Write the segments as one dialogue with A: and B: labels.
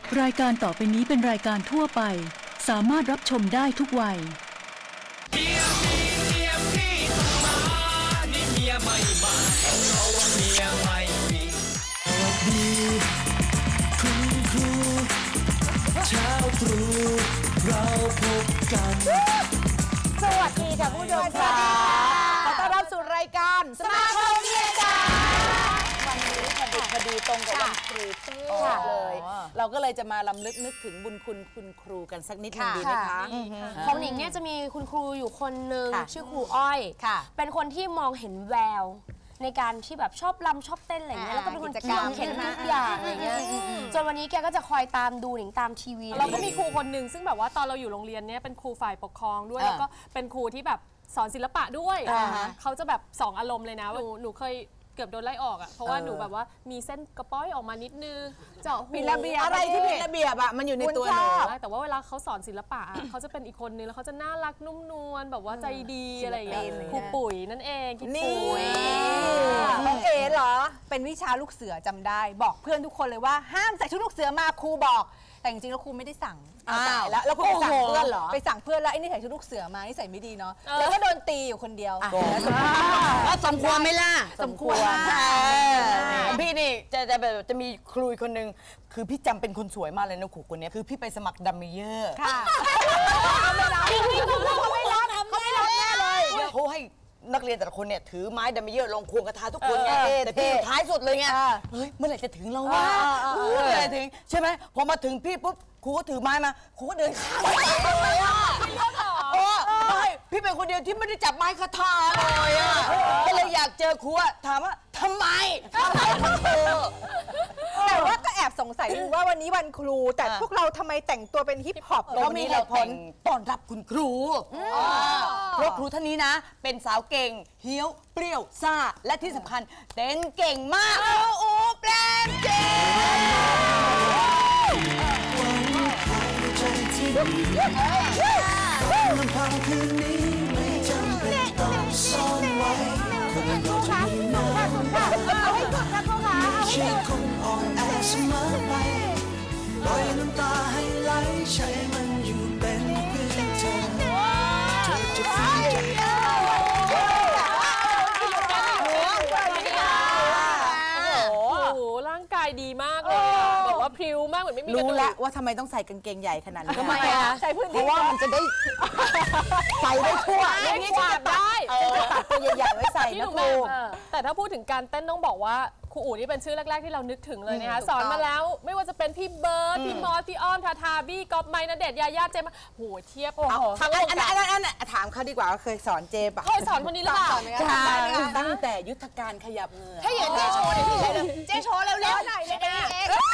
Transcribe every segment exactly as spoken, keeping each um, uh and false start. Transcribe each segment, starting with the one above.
A: รายการต่อไปนี้เป็นรายการทั่วไปสามารถรับชมได้ทุกวัยเมียมีเมียพี่ต้องมานี่เมียไม่มาเพราะว่าเมียไม่มีสวัสดีคุณครูเช้าตรู่เราพบกัน
B: สวัสดีค่ะผู้ชมค่ะขอต้อนรับสู่รายการสมาคมเมียจ๋าวันนี้พอดีพอดีตรงกับวันครูเป๊ะเลยเราก็เลยจะมาลำลึกนึกถึงบุญคุณคุณครูกันสักนิดนึงดีไหมคะ
C: ของหนิงเนี่ยจะมีคุณครูอยู่คนหนึ่งชื่อครูอ้อยเป็นคนที่มองเห็นแววในการที่แบบชอบรำชอบเต้นอะไรเงี้ยแล้วก็เป็นคนเก่งเห็นทุกอย่างอะไรเงี้ยจนวันนี้แกก็จะคอยตามดูหนิงตามทีวี
D: เราก็มีครูคนหนึ่งซึ่งแบบว่าตอนเราอยู่โรงเรียนเนี้ยเป็นครูฝ่ายปกครองด้วยแล้วก็เป็นครูที่แบบสอนศิลปะด้วยเขาจะแบบสองอารมณ์เลยนะหนูหนูเคยเกือบโดนไล่ออกอ่ะเพราะว่าหนูแบบว่ามีเส้นกระป้อยออกมานิดนึงเจาะหู
B: อะไรที่ผิดระเบียบอ่ะมันอยู่ในตัวหนู
D: แต่ว่าเวลาเขาสอนศิลปะเขาจะเป็นอีกคนนึงแล้วเขาจะน่ารักนุ่มนวลแบบว่าใจดีอะไรอย่างเงี้ยครูปุ๋ยนั่นเองครูปุ๋ย
E: น้องเอ๋เหรอเป็นวิชาลูกเสือจำได้บอกเพื่อนทุกคนเลยว่าห้ามใส่ชุดลูกเสือมาครูบอกแต่จริงๆแล้วครูไม่ได้สั่งแล้วแล้วครูไปสั่งเพื่อนเหรอไปสั่งเพื่อนแล้วไอ้นี่ใส่ชุดลูกเสือมานี่ใส่ไม่ดีเนาะแล้วก็โดนตีอยู่คนเดียว
B: แล้วสมควรไหมล่ะ
E: สมควร
B: พี่นี่จะจะแบบจะมีครูคนหนึ่งคือพี่จำเป็นคนสวยมากเลยนะครูคนนี้คือพี่ไปสมัครดัมเมเยอร์ค่ะเขาไม่รับเขาไม่รับเขาไม่รับแน่เลยเขาให้นักเรียนแต่ละคนเนี่ยถือไม้ดัมเมเยอร์ลงควงกระทาทุกคนไงแต่พี่อยู่ท้ายสุดเลยไงเฮ้ยเมื่อไหร่จะถึงเราวะเมื่อไหร่ถึงใช่ไหมพอมาถึงพี่ปุ๊บครูก็ถือไม้มาครูก็เดินข้ามไปเลยอ่ะโอ้ไม่พี่เป็นคนเดียวที่ไม่ได้จับไม้คาถาเลยอ่ะก็เลยอยากเจอครูถามว่าทำไม
E: แต่ว่าก็แอบสงสัยว่าวันนี้วันครูแต่พวกเราทำไมแต่งตัวเป็นฮิปฮอป
B: เรามีเหตุผลต้อนรับคุณครูเพราะครูท่านนี้นะเป็นสาวเก่งเฮี้ยวเปรี้ยวซ่าและที่สำคัญเต้นเก่งมากโอ้แปลงเก่งลำพังคืนนี้ไม่จำเป็นต้องซ่อนไว้คนเราจะมีน้ำไม่ใช่คงอ่อนแอเสมอไปปล่อยน้ำตาให้ไหลใช้มันอยู่เป็นเพื่อนเธอเธอจะฝืนใจ
D: ร่างกายดีมากเลยแบบว่าพริ้วมากเหมือนไม่มี
B: รู้แล้วว่าทำไมต้องใส่กางเกงใหญ่ขนาดนี้
E: ทำไมอะใส่พื้นที่
B: เพราะว่ามันจะได้ใส่ได้ทั่ว
D: เล่นกวาดได้
B: จะตัดตัวใหญ่ๆไว้ใส่นะครู
D: แต่ถ้าพูดถึงการเต้นต้องบอกว่าครูอู๋นี่เป็นชื่อแรกๆที่เรานึกถึงเลยนะคะสอนมาแล้วไม่ว่าจะเป็นพี่เบิร์ดพี่มอสพี่อ้อมทาทาบี้ก๊อฟไมค์ณเดชน์ยาย่าเจมส์โหเทียบ
B: ทั้งอันอันอันอันถามเขาดีกว่าเคยสอนเจปะ
D: เคยสอนคนนี้หรือเปล่า
B: ตั้งแต่ยุทธการขยับเงือ
C: ถ้าอย่างเจโชว์เนี่ยเจโชว์เร็วๆหน่อยเลยนะ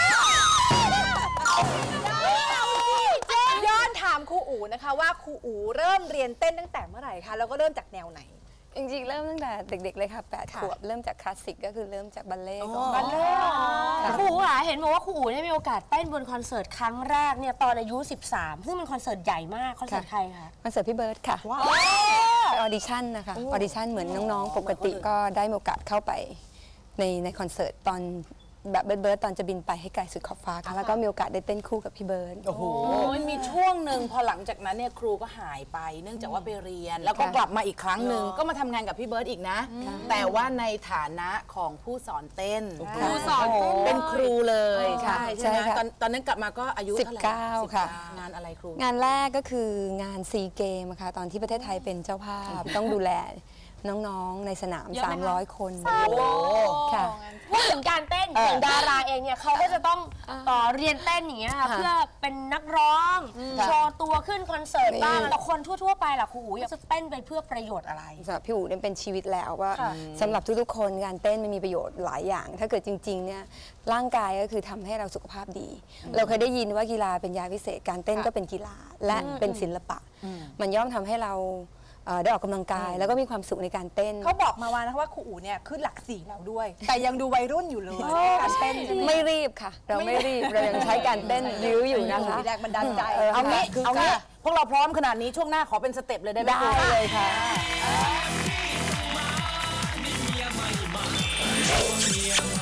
E: ย้อนถามครูอู๋นะคะว่าครูอู๋เริ่มเรียนเต้นตั้งแต่เมื่อไหร่คะแล้วก็เริ่มจากแนวไหน
F: จริงๆเริ่มตั้งแต่เด็กๆเลยค่ะแปดขวบเริ่มจากคลาสสิกก็คือเริ่มจากบัลเล่ก่อน
E: บัลเล่
C: ครูอ่ะเห็นบอกว่าครูอู๋ได้มีโอกาสเต้นบนคอนเสิร์ตครั้งแรกเนี่ยตอนอายุสิบสามซึ่งเป็นคอนเสิร์ตใหญ่มากคอนเสิร์ตใครคะ
F: คอนเสิร์ตพี่เบิร์ดค่ะไปออดิชั่นนะคะออดิชั่นเหมือนน้องๆปกติก็ได้มีโอกาสเข้าไปในในคอนเสิร์ตตอนแบบเบิร์ดเบิร์ดตอนจะบินไปให้ไกลสุดขอบฟ้าค่ะแล้วก็มีโอกาสได้เต้นคู่กับพี่เบิร์ด
B: โอ้โหมีช่วงหนึ่งพอหลังจากนั้นเนี่ยครูก็หายไปเนื่องจากว่าไปเรียนแล้วก็กลับมาอีกครั้งหนึ่งก็มาทำงานกับพี่เบิร์ดอีกนะแต่ว่าในฐานะของผู้สอนเต้น
D: ครูสอน
B: เป็นครูเลยใช่ใช่ไหมตอนตอนนั้นกลับมาก็อายุ
F: สิบเก้าค่ะ
B: งานอะไรครู
F: งานแรกก็คืองานซีเกมค่ะตอนที่ประเทศไทยเป็นเจ้าภาพต้องดูแลน้องๆในสนามสามร้อยคน
C: ค่ะพูดถึงการเต้นอย่างดาราเองเนี่ยเขาก็จะต้องต่อเรียนเต้นอย่างเงี้ยค่ะเพื่อเป็นนักร้องโชว์ตัวขึ้นคอนเสิร์ตบ้างแต่คนทั่วๆไปล่ะครูอู๋จะเต้นไปเพื่อประโยชน์อะไร
F: สำหรับพี่อู๋เนี่ยเป็นชีวิตแล้วว่าสำหรับทุกๆคนการเต้นมันมีประโยชน์หลายอย่างถ้าเกิดจริงๆเนี่ยร่างกายก็คือทำให้เราสุขภาพดีเราเคยได้ยินว่ากีฬาเป็นยาพิเศษการเต้นก็เป็นกีฬาและเป็นศิลปะมันย่อมทำให้เราได้ออกกำลังกายแล้วก็มีความสุขในการเต้น
E: เขาบอกมาว่านะว่าครูอู๋เนี่ยขึ้นหลักสี่แล้วด้วยแต่ยังดูวัยรุ่นอยู่เลยการเต้น
F: ไม่รีบค่ะเราไม่รีบเรายังใช้การเต้นยื้ออยู่นะคะ
E: แรงบันดาลใจ
B: เอางี้เอางี้พวกเราพร้อมขนาดนี้ช่วงหน้าขอเป็นสเต็ปเลยได้ไหม
F: ได้เลยค่ะ
A: เมียใหม่มา